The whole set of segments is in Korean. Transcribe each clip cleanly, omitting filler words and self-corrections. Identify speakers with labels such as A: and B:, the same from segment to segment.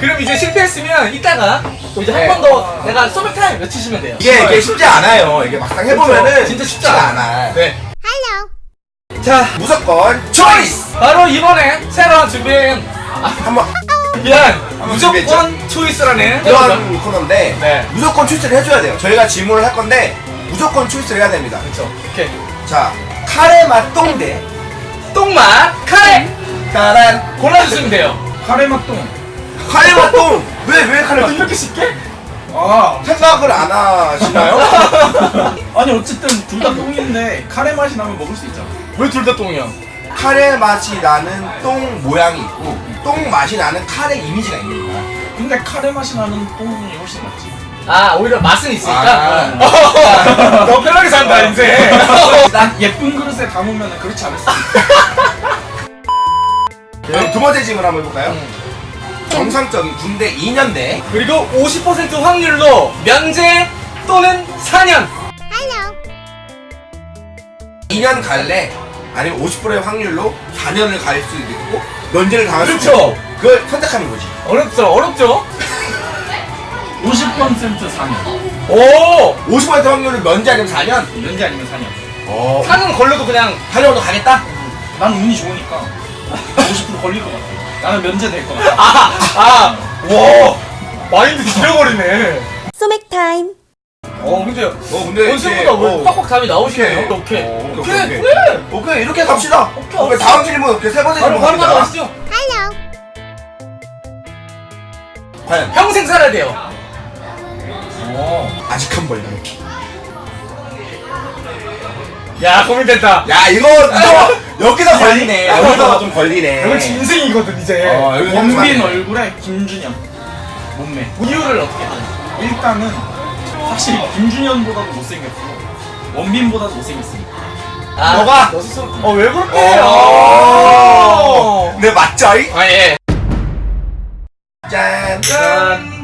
A: 그럼 이제 실패했으면 이따가 또 이제 한 번 더 내가 소맥타임 외치시면 돼요.
B: 이게 쉽지 않아요. 이게 막상 해보면은
A: 그렇죠. 진짜 쉽지 않아. 네. 자,
B: 무조건 초이스.
A: 바로 이번에 새로 준비한
B: 한번
A: 미안
B: 준비했죠?
A: 무조건 초이스라는
B: 이런 코너인데
A: 네.
B: 무조건 초이스를 해줘야 돼요. 저희가 질문을 할 건데 무조건 초이스를 해야 됩니다.
A: 그렇죠. 오케이.
B: 자, 카레 맛 똥대.
A: 똥맛 카레
B: 까란
A: 골라주시면 돼요.
C: 카레 맛동.
B: 카레 맛 똥. 왜 카레 맛 똥?
A: 이렇게 쉽게?
C: 아,
B: 생각을 안 하시나요?
C: 아니 어쨌든 둘 다 똥인데 카레 맛이 나면 먹을 수 있잖아.
A: 왜 둘 다 똥이야?
B: 카레 맛이 나는 똥 모양이 있고 똥 맛이 나는 카레 이미지가 있는 거야.
C: 근데 카레 맛이 나는 똥이 훨씬 낫지.
A: 아 오히려 맛은 있으니까
B: 아.
A: 더 편하게 산다 인생.
C: 난 예쁜 그릇에 담으면 그렇지 않았어.
B: 그럼 두 번째 질문 한번 해볼까요? 정상적인 군대 2년대
A: 그리고 50% 확률로 면제 또는 4년.
B: 2년 갈래? 아니면 50%의 확률로 4년을 갈 수도 있고 면제를 당할 수도
A: 그렇죠.
B: 있고 그걸 선택하는 거지.
A: 어렵죠?
C: 50% 4년.
A: 오!
B: 50% 확률로 면제 아니면 4년?
C: 면제 아니면 4년.
A: 4년 걸려도 그냥
B: 4년도 가겠다?
C: 난 운이 좋으니까 50% 걸릴 것 같아. 나는 면제 될 것 같아.
A: 와! 마인드 지려버리네.
D: 소맥 타임.
A: 근데
B: 근데
A: 원생보다 왜 빡빡 답이 나오시네요? 오케이. 그래!
B: 오케이 이렇게 갑시다.
A: 오케이.
B: 다음 질문 오케이 세 번째
A: 바로
B: 질문 갑니다.
A: 가시죠.
B: 과연
A: 평생 살아야 돼요.
B: 아직 한 벌.
A: 야, 고민된다.
B: 야 이거 여기서 걸리네. 여기서 좀 걸리네.
A: 이건 인생이거든, 이제.
B: 여기서
C: 원빈
B: 맞네.
C: 얼굴에 김준현 몸매.
A: 이유를 어떻게 하냐?
C: 일단은 사실 김준현보다도 못생겼고 원빈보다도 못생겼으니까.
B: 너가?
A: 너 스스로. 왜 그렇게 해요?
B: 네 맞죠? 이?
A: 예.
B: 짠.
A: 짠.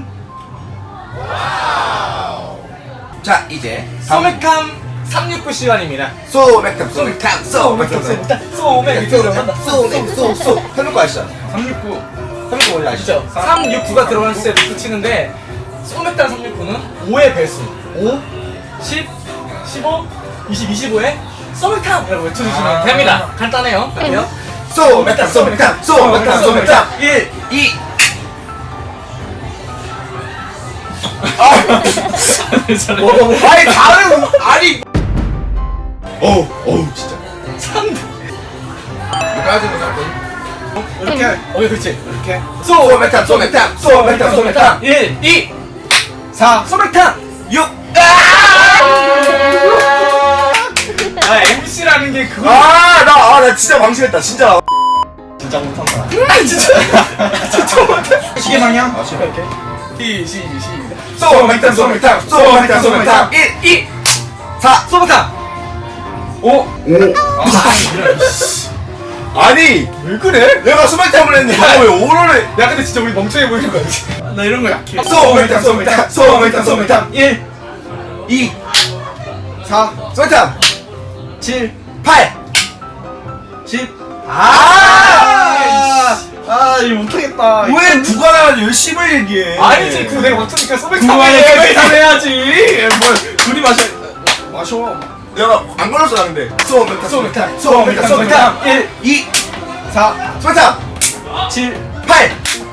B: 자 이제
A: 소맥탐 369 시간입니다.
B: 소맥탑. 해놓은 거 아시죠?
C: 369.
B: 369 뭔지 아시죠?
A: 아시죠? 369가 들어가는 숫자에 붙이는데 소맥탄 369는 5의 배수 5, 10, 15, 20, 25에 소맥탄이라고 외쳐주시면 됩니다. 간단해요. 갈게요.
B: 소맥탑 1 2 아니 다른 아니 어우 진짜
A: 3.
B: 까지는 살
C: 이렇게
A: 그렇지.
C: 이렇게
B: 소맥탑
A: 1, 2,
C: 4.
A: 소맥탄
B: 6
A: MC라는 게 그거.
B: 나 진짜 방심했다 진짜
C: 진짜 못한다.
A: 진짜 못해.
C: 시계 방향.
A: 시작.
B: 소맥탑 1 2 4
A: 소맥탄
C: 5.
B: 아니
A: 왜 그래?
B: 내가 소맥탑을 했는데 너가 왜 5를
A: 야 근데 진짜 우리 멍청해 보이는 거야.
C: 나 이런 거 약해.
B: 소맥탑
C: 1,
B: 2
C: 4,
B: 소맥탑
C: 7,
B: 8
C: 10. 이거 못하겠다.
B: 왜 누가 나한테 열심히 얘기해
A: 아니지 그거 내가 맞추니까 소맥탄
C: 두만에
A: 해야지.
C: 해야지. 뭘 둘이 마셔.
B: 내가 안 걸렸어 나 근데 소맥탑
C: 1,
B: 2
C: 4,
B: 소맥탑
C: 7,
B: 8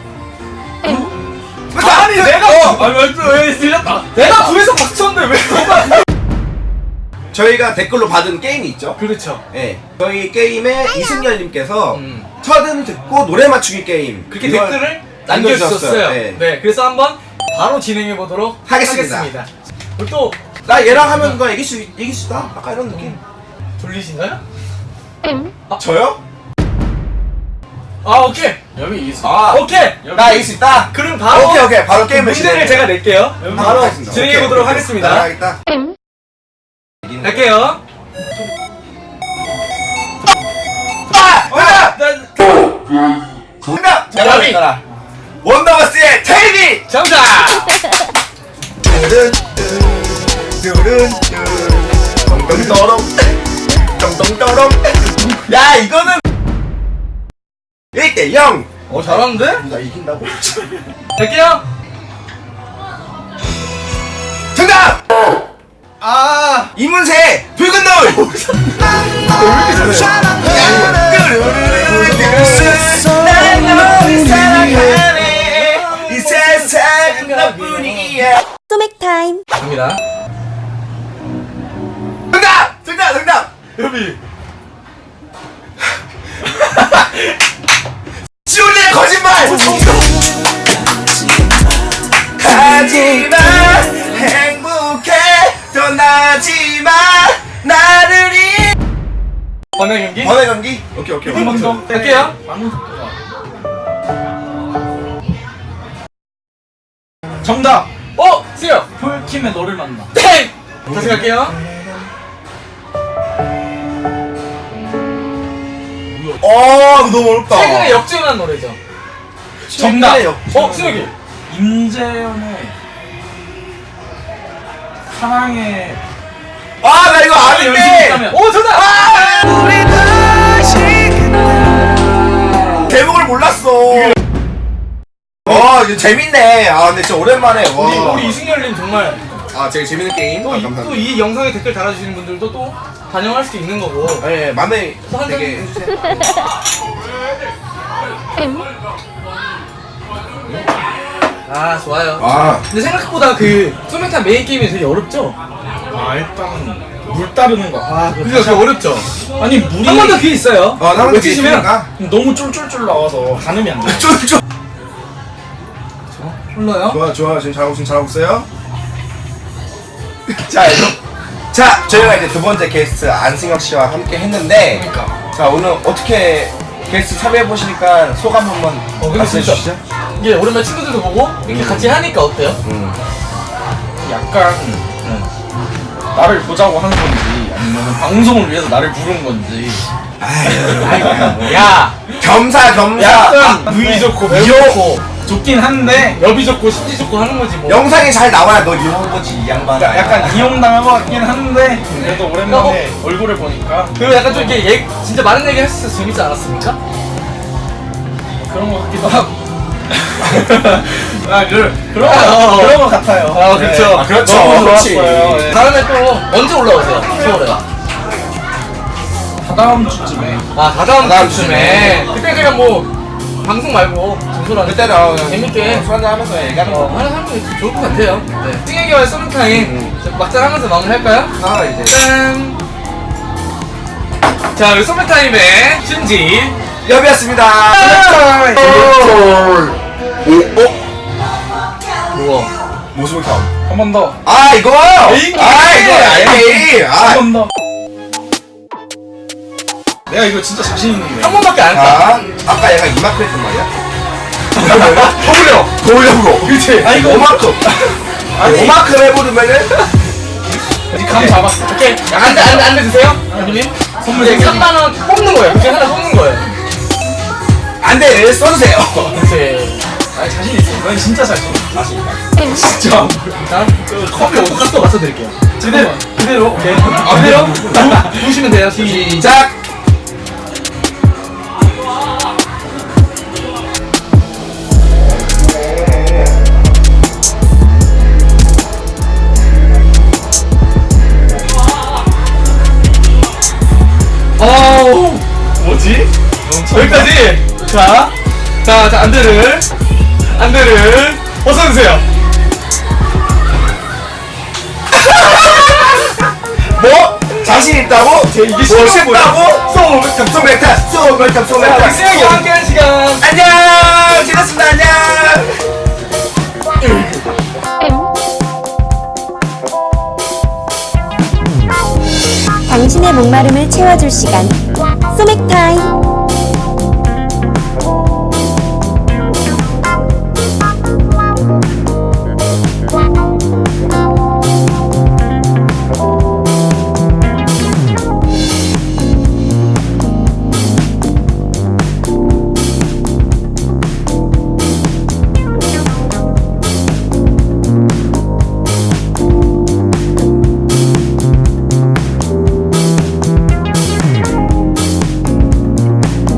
B: 소맥탑
A: 아니 내가
C: 왜 들렸다.
A: 내가 구에서 박수 쳤는데 왜 너가?
B: 저희가 댓글로 받은 게임이 있죠.
A: 그렇죠.
B: 네, 저희 게임에 이승열님께서
A: 음.
B: 첫음 듣고 노래 맞추기 게임
A: 그렇게
B: 이걸
A: 댓글을 남겨주셨어요. 네.
B: 네.
A: 그래서 한번 바로 진행해 보도록
B: 하겠습니다.
A: 그리고 또
B: 나 얘랑 하면 누가 이길 수 있다. 아까 이런 느낌.
A: 돌리신가요?
B: 저요?
A: 오케이.
C: 여기 있어.
A: 오케이.
B: 나 이길 수 있다.
A: 그럼 바로
B: 오케이 바로 게임을
A: 문제를 제가 낼게요. 바로
B: 하겠습니다.
A: 진행해
B: 오케이,
A: 보도록
B: 오케이.
A: 하겠습니다.
B: 나가겠다.
A: 갈게요.
B: 정답!
A: 야비.
B: 원더걸스의 테이비!
A: 정답.
B: 덩덩떠렁 덩덩떠렁 야 이거는 1대0
A: 잘하는데?
B: 나 이긴다고?
A: 갈게요.
B: 정답!
C: 아
B: 이문세 붉은 노을. 이 세상 너뿐이야.
D: 소맥 타임.
A: 갑니다.
B: 정답!
A: 여비.
B: 지훈이의 거짓말! 하지마 행복해 떠나지마 나를
A: 번외 경기.
B: 번외 경기? 오케이
C: 한 번 더
A: 할게요.
C: 많은 속도가 정답
A: 수영.
C: 폴킴의 너를 만나
A: 땡. 다시 갈게요.
B: 이거 너무 어렵다.
A: 최근에 역주행한 노래죠.
C: 정답
A: 수혁이.
C: 임재현의 사랑의
B: 나 이거 아는데
A: 정답.
B: 제목을 몰랐어. 이거 재밌네. 근데 진짜 오랜만에.
A: 우리 이승열님 정말
B: 제일 재밌는 게임. 감사합니다.
A: 또 이 영상에 댓글 달아주시는 분들도 또 반영할 수도 있는 거고.
B: 네, 맘에
A: 또 한 잔
B: 되게
A: 해주세요. 좋아요. 근데 생각보다 그 소맥탄 메인 게임이 되게 어렵죠?
C: 일단 물 따르는 거
A: 그게 어렵죠?
C: 아니 물이
A: 한 번 더 기회 있어요.
B: 나만
A: 외치시면
C: 너무 쫄쫄쫄 나와서 가늠이 안 돼.
B: 쫄쫄.
A: 흘러요.
B: 좋아. 지금 잘하고 있어요. 자, 저희가 이제 두 번째 게스트 안승혁 씨와 함께 했는데, 자 오늘 어떻게 게스트 참여해 보시니까 소감 한번
A: 근데
B: 말씀해
A: 진짜
B: 주시죠.
A: 이게 오랜만에 친구들도 보고 이렇게 같이 하니까 어때요?
C: 약간 나를 보자고 하는 건지 아니면 방송을 위해서 나를 부른 건지
A: 야,
B: 겸사겸사.
C: 약간
A: 누이 좋고 매우
C: 귀여워.
A: 좋고
C: 좋긴 한데
A: 여비 좋고 심지 좋고 하는 거지 뭐.
B: 영상이 잘 나와야 너 이런 거지 이 양반.
C: 약간 이용당한 것 같긴 한데 그래도 오랜만에 얼굴을 보니까
A: 그리고 약간 좀 이렇게 진짜 많은 얘기 했을 때 재밌지 않았습니까?
C: 그런 것 같기도 하고 그런
A: 어.
C: 것 같아요.
A: 그렇죠.
C: 네.
B: 그렇죠.
C: 너무
B: 그렇지.
C: 좋았어요. 네.
A: 다음에 또 언제 올라오세요? 서울에.
C: 다다음 주쯤에
A: 다다음 주쯤에. 그때 제가 뭐 방송 말고 진솔한
B: 그때는
A: 재밌게
B: 술 한잔 하면서 얘기하는 거.
A: 하는 게 좋을 것 같아요. 네. 승혜기와의 썸타임 막장 하면서 마무리할까요?
B: 이제
A: 짠! 자, 우리 썸타임의 신지.
B: 여비였습니다.
A: 우와.
B: 모습을 켜.
C: 한 번 더.
B: 이거.
A: 에이,
B: 에이.
C: 한 번 더. 내가 이거 진짜 자신 있는데.
A: 한 번밖에 안 했다.
B: 아까 얘가 이만큼 했단 말이야? 더 올려 그렇지.
C: 이거
B: 오만큼. 오만큼 해보면은
C: 감 잡았어.
A: 오케이. 안 드세요? 형님?
C: 선물
A: 이제
C: 생겼네.
A: 3만원 뽑는 거예요. 그중에 하나 뽑는 거예요.
B: 안돼 써주세요.
A: 그치.
C: 자신 있어. 난 진짜 자신 있어. 진짜.
A: 자, 컵이 어디서 맞춰드릴게요. 그대로. 오케이.
B: 그대로?
A: 부으시면 돼요.
B: 시작.
A: 뭐지? 여기까지. 자, 안대를 벗어주세요.
B: 뭐? 자신 있다고?
A: 이게
B: 뭐
A: 쉽다고?
B: 쉽다고? 소맥탑.
A: 우리 승혁이와 함께한 시간.
B: 안녕. 지났습니다. 안녕.
D: 당신의 목마름을 채워줄 시간.